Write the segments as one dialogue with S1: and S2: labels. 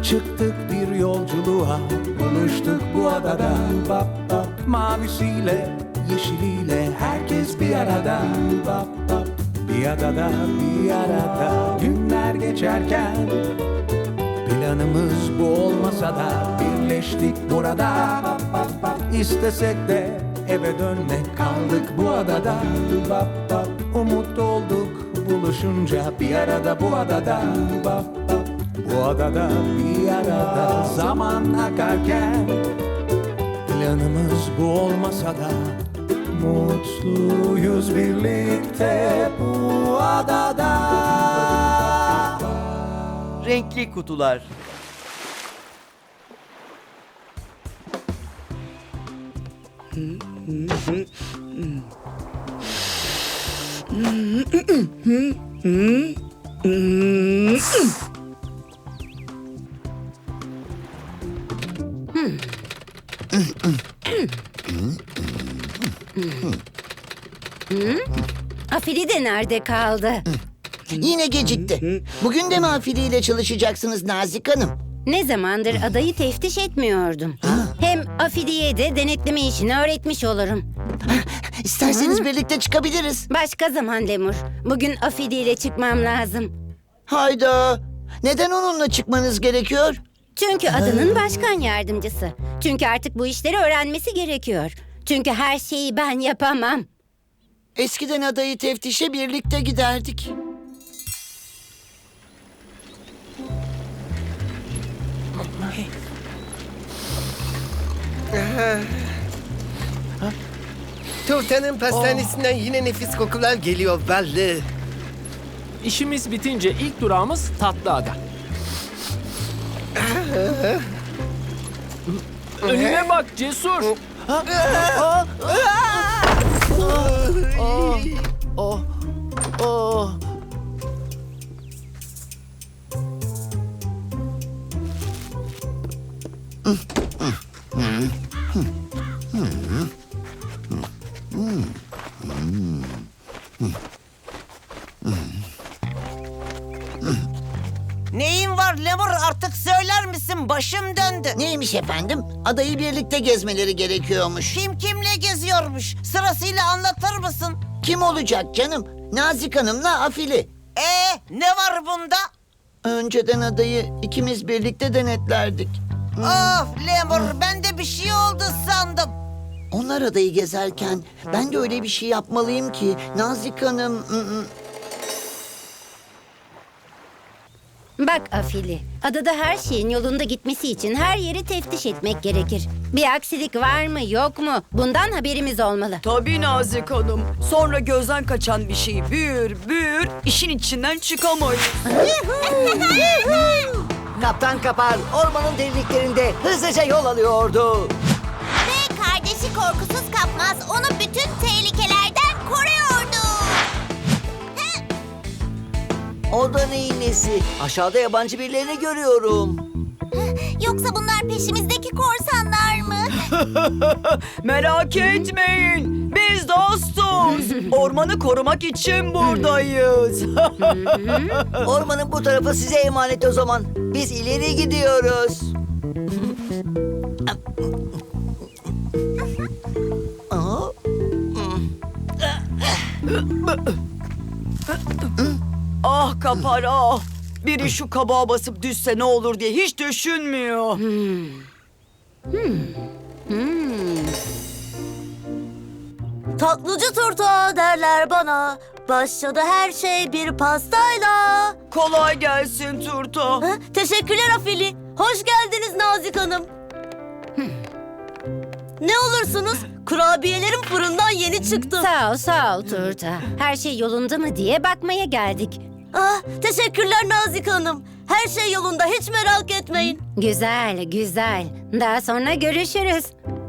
S1: Çıktık bir yolculuğa, buluştuk bu adada. Bap bap. Mavisiyle, yeşiliyle herkes bir arada. Bap bap. Bir adada, bir arada. Günler geçerken planımız bu olmasa da birleştik burada. Bap bap bap. İstesek de eve dönmek, kaldık bu adada. Bap bap. Umut olduk buluşunca bir arada bu adada. Bap bap. Bu adada bir arada zaman akarken planımız bu olmasa da mutluyuz birlikte bu adada.
S2: Renkli kutular.
S3: Afili de nerede kaldı?
S4: Yine gecikti. Bugün de mi afiliyle çalışacaksınız Nazik Hanım?
S3: Ne zamandır adayı teftiş etmiyordum. Hem Afili'ye de denetleme işini öğretmiş olurum.
S4: İsterseniz birlikte çıkabiliriz.
S3: Başka zaman Lemur. Bugün Afili ile çıkmam lazım.
S4: Hayda. Neden onunla çıkmanız gerekiyor?
S3: Çünkü adanın başkan yardımcısı. Çünkü artık bu işleri öğrenmesi gerekiyor. Çünkü her şeyi ben yapamam.
S4: Eskiden adayı teftişe birlikte giderdik.
S5: Turtanın pastanesinden yine nefis kokular geliyor belli.
S6: İşimiz bitince ilk durağımız Tatlıada. Önüne bak Cesur.
S7: Neyin var Lemur, artık söyler misin? Başım döndü.
S4: Neymiş efendim? Adayı birlikte gezmeleri gerekiyormuş.
S7: Kim kimle geziyormuş? Sırasıyla anlatır mısın?
S4: Kim olacak canım? Nazik Hanım'la Afili.
S7: Ne var bunda?
S4: Önceden adayı ikimiz birlikte denetlerdik.
S7: Of Lemur, ben de bir şey oldu sandım.
S4: Onlar adayı gezerken ben de öyle bir şey yapmalıyım ki Nazik Hanım...
S3: Bak Afili, adada her şeyin yolunda gitmesi için her yeri teftiş etmek gerekir. Bir aksilik var mı yok mu? Bundan haberimiz olmalı.
S8: Tabii Nazik Hanım. Sonra gözden kaçan bir şey büyür, işin içinden çıkamayız.
S2: Kaptan Kapar ormanın derinliklerinde hızlıca yol alıyordu.
S9: Ve kardeşi korkusuz kapmaz onu bütün tehlikelerden koruyordu.
S2: O da neyin nesi? Aşağıda yabancı birilerini görüyorum.
S9: Yoksa bunlar peşimizdeki korsanlar mı?
S8: Merak etmeyin. Biz dostuz. Ormanı korumak için buradayız.
S2: Ormanın bu tarafı size emanet o zaman. Biz ileri gidiyoruz.
S8: Ah Kapar ah. Biri şu kabağa basıp düşse ne olur diye hiç düşünmüyor.
S10: Tatlıcı turta derler bana. Başladı her şey bir pastayla.
S8: Kolay gelsin Turta.
S10: Ha, teşekkürler Afili. Hoş geldiniz Nazik Hanım. Ne olursunuz? Kurabiyelerim fırından yeni çıktı.
S3: Sağ ol Turta. Her şey yolunda mı diye bakmaya geldik.
S10: Ah, teşekkürler Nazik Hanım. Her şey yolunda, hiç merak etmeyin.
S3: Güzel. Daha sonra görüşürüz.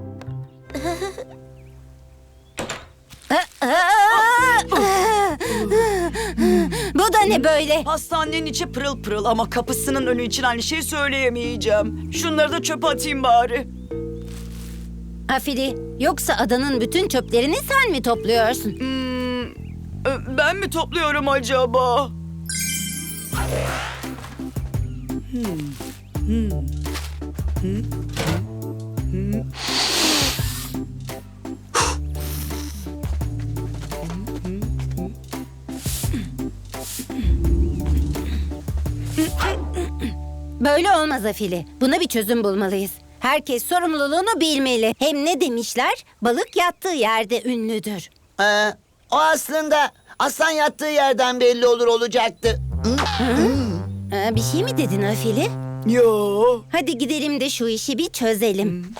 S3: Bu da ne böyle?
S8: Hastanenin içi pırıl pırıl ama kapısının önü için aynı şeyi söyleyemeyeceğim. Şunları da çöpe atayım bari.
S3: Afili, yoksa adanın bütün çöplerini sen mi topluyorsun?
S8: Ben mi topluyorum acaba?
S3: Böyle olmaz Afili. Buna bir çözüm bulmalıyız. Herkes sorumluluğunu bilmeli. Hem ne demişler? Balık yattığı yerde ünlüdür.
S4: O aslında aslan yattığı yerden belli olacaktı.
S3: Bir şey mi dedin Afili?
S8: Yo.
S3: Hadi gidelim de şu işi bir çözelim.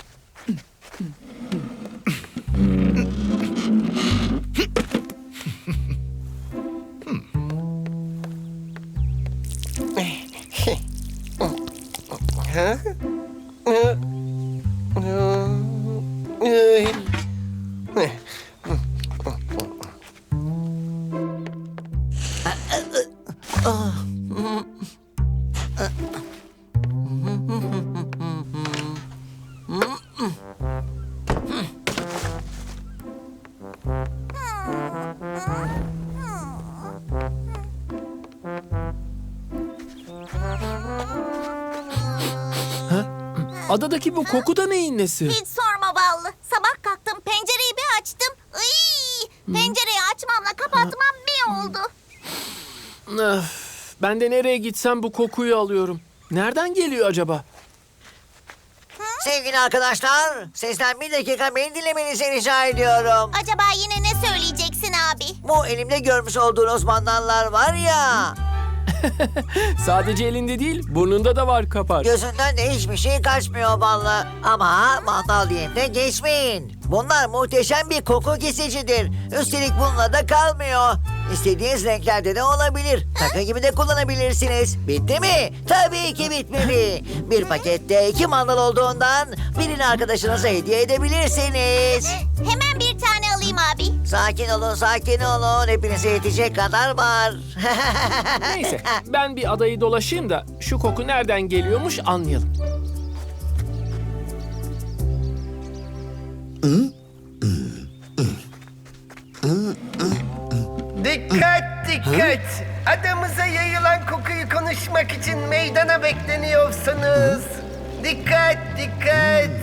S6: Adadaki bu koku da neyin nesi?
S9: Hiç sorma Ballı. Sabah kalktım pencereyi bir açtım. Pencereyi açmamla kapatmam bir oldu.
S6: Ben de nereye gitsem bu kokuyu alıyorum. Nereden geliyor acaba?
S2: Sevgili arkadaşlar, sesten bir dakika beni dinlemenizi rica ediyorum.
S9: Acaba yine ne söyleyeceksin abi?
S2: Bu elimde görmüş olduğunuz mandallar var ya,
S6: Sadece elinde değil, burnunda da var kapar.
S2: gözünden de hiçbir şey kaçmıyor vallahi. Ama mandal diyeyim de geçmeyin. Bunlar muhteşem bir koku kesicidir. Üstelik bununla da kalmıyor. İstediğiniz renklerde de olabilir. Takı gibi de kullanabilirsiniz. Bitti mi? Tabii ki bitmedi. Bir pakette 2 mandal olduğundan birini arkadaşınıza hediye edebilirsiniz.
S9: Hemen bir tane alayım abi.
S2: Sakin olun, sakin olun. Hepinize yetecek kadar var.
S6: Neyse, ben bir adayı dolaşayım da şu koku nereden geliyormuş anlayalım.
S5: Dikkat dikkat. Adamıza yayılan kokuyu konuşmak için meydana bekleniyorsunuz. Dikkat dikkat.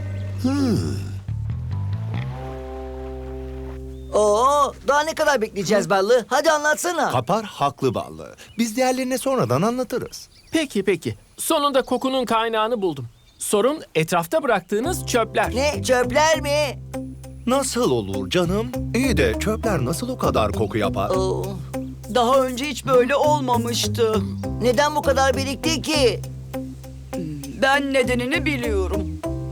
S2: Oo, daha ne kadar bekleyeceğiz Ballı? Hadi anlatsana.
S1: Kapar haklı Ballı. Biz diğerlerine sonradan anlatırız.
S6: Peki. Sonunda kokunun kaynağını buldum. Sorun etrafta bıraktığınız çöpler.
S2: Ne, çöpler mi?
S1: Nasıl olur canım? İyi de çöpler nasıl o kadar koku yapar?
S2: Oo,
S8: Daha önce hiç böyle olmamıştı.
S2: neden bu kadar birikti ki?
S8: Ben nedenini biliyorum.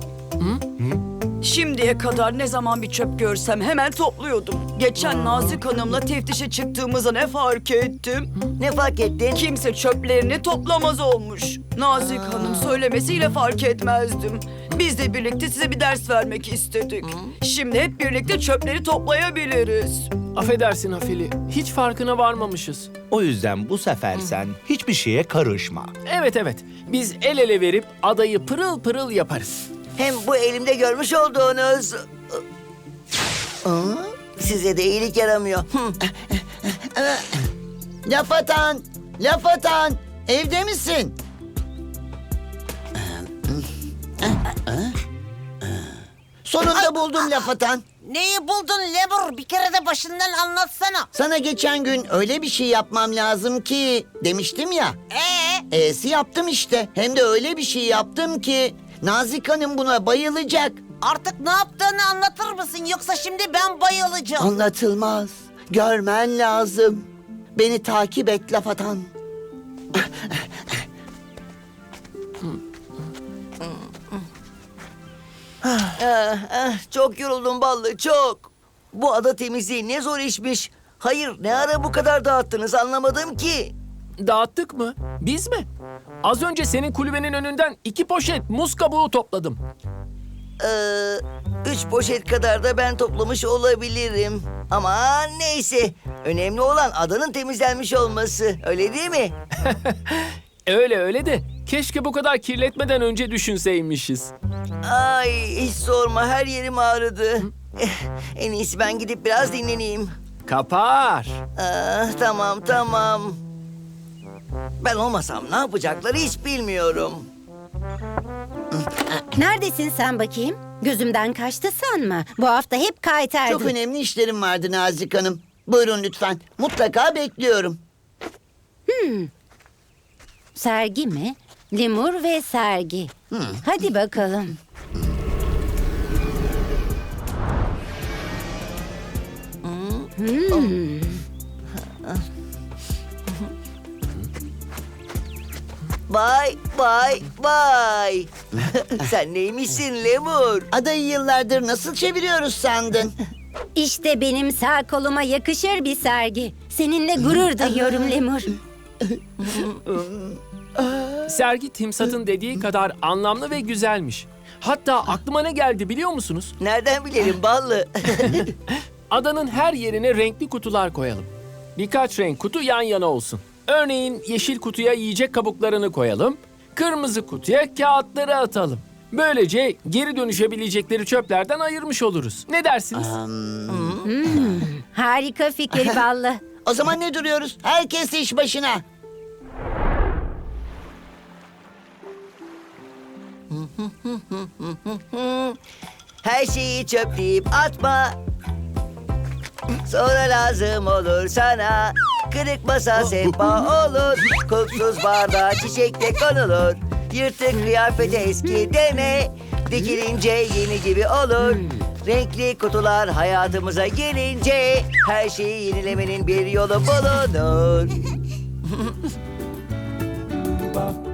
S8: Şimdiye kadar ne zaman bir çöp görsem hemen topluyordum. Geçen Nazik Hanım'la teftişe çıktığımızda ne fark ettim?
S2: Ne fark ettin?
S8: Kimse çöplerini toplamaz olmuş. Nazik Hanım söylemesiyle fark etmezdim. Biz de birlikte size bir ders vermek istedik. Şimdi hep birlikte çöpleri toplayabiliriz.
S6: Affedersin Afili, hiç farkına varmamışız.
S1: O yüzden bu sefer sen hiçbir şeye karışma.
S6: Evet, biz el ele verip adayı pırıl pırıl yaparız.
S2: Hem bu elimde görmüş olduğunuz... Size de iyilik yaramıyor.
S4: Laf atan, evde misin? Sonunda buldum laf atan.
S7: Neyi buldun Lemur? Bir kere de başından anlatsana.
S4: Sana geçen gün öyle bir şey yapmam lazım ki demiştim ya. E'si yaptım işte. Hem de öyle bir şey yaptım ki Nazik Hanım buna bayılacak.
S7: Artık ne yaptığını anlatır mısın? Yoksa şimdi ben bayılacağım.
S4: Anlatılmaz. Görmen lazım. Beni takip et laf atan.
S2: Çok yoruldum Ballı, çok. Bu ada temizliği ne zor işmiş. Hayır, ne ara bu kadar dağıttınız anlamadım ki.
S6: Dağıttık mı? Biz mi? Az önce senin kulübenin önünden 2 poşet muz kabuğu topladım.
S2: 3 poşet kadar da ben toplamış olabilirim. Ama neyse. Önemli olan adanın temizlenmiş olması. Öyle değil mi?
S6: Öyle de keşke bu kadar kirletmeden önce düşünseymişiz.
S2: Ay hiç sorma, her yerim ağrıdı. En iyisi ben gidip biraz dinleneyim.
S6: Kapar.
S2: Tamam. Ben olmasam ne yapacakları hiç bilmiyorum.
S3: Neredesin sen bakayım? Gözümden kaçtı sanma. Bu hafta hep kaytardın.
S4: Çok önemli işlerim vardı Nazik Hanım. Buyurun lütfen. Mutlaka bekliyorum.
S3: Sergi mi? Lemur ve sergi. Hadi bakalım.
S2: Vay vay vay. Sen neymişsin Lemur?
S4: Adayı yıllardır nasıl çeviriyoruz sandın?
S3: İşte benim sağ koluma yakışır bir sergi. Seninle gurur duyuyorum Lemur.
S6: Sergi Timsat'ın dediği kadar anlamlı ve güzelmiş. Hatta aklıma ne geldi biliyor musunuz?
S2: Nereden bilelim ballı?
S6: Adanın her yerine renkli kutular koyalım. Birkaç renk kutu yan yana olsun. Örneğin yeşil kutuya yiyecek kabuklarını koyalım. Kırmızı kutuya kağıtları atalım. Böylece geri dönüşebilecekleri çöplerden ayırmış oluruz. Ne dersiniz?
S3: Harika fikir Ballı.
S4: O zaman ne duruyoruz? Herkes iş başına.
S2: Her şeyi çöpleyip atma. Sonra lazım olur sana. Kırık masa sehpa olur. Kokusuz bardağa çiçek de konulur. Yırtık kıyafete eski deme. Dikilince yeni gibi olur. Renkli kutular hayatımıza gelince her şeyi yenilemenin bir yolu bulunur.
S1: Bap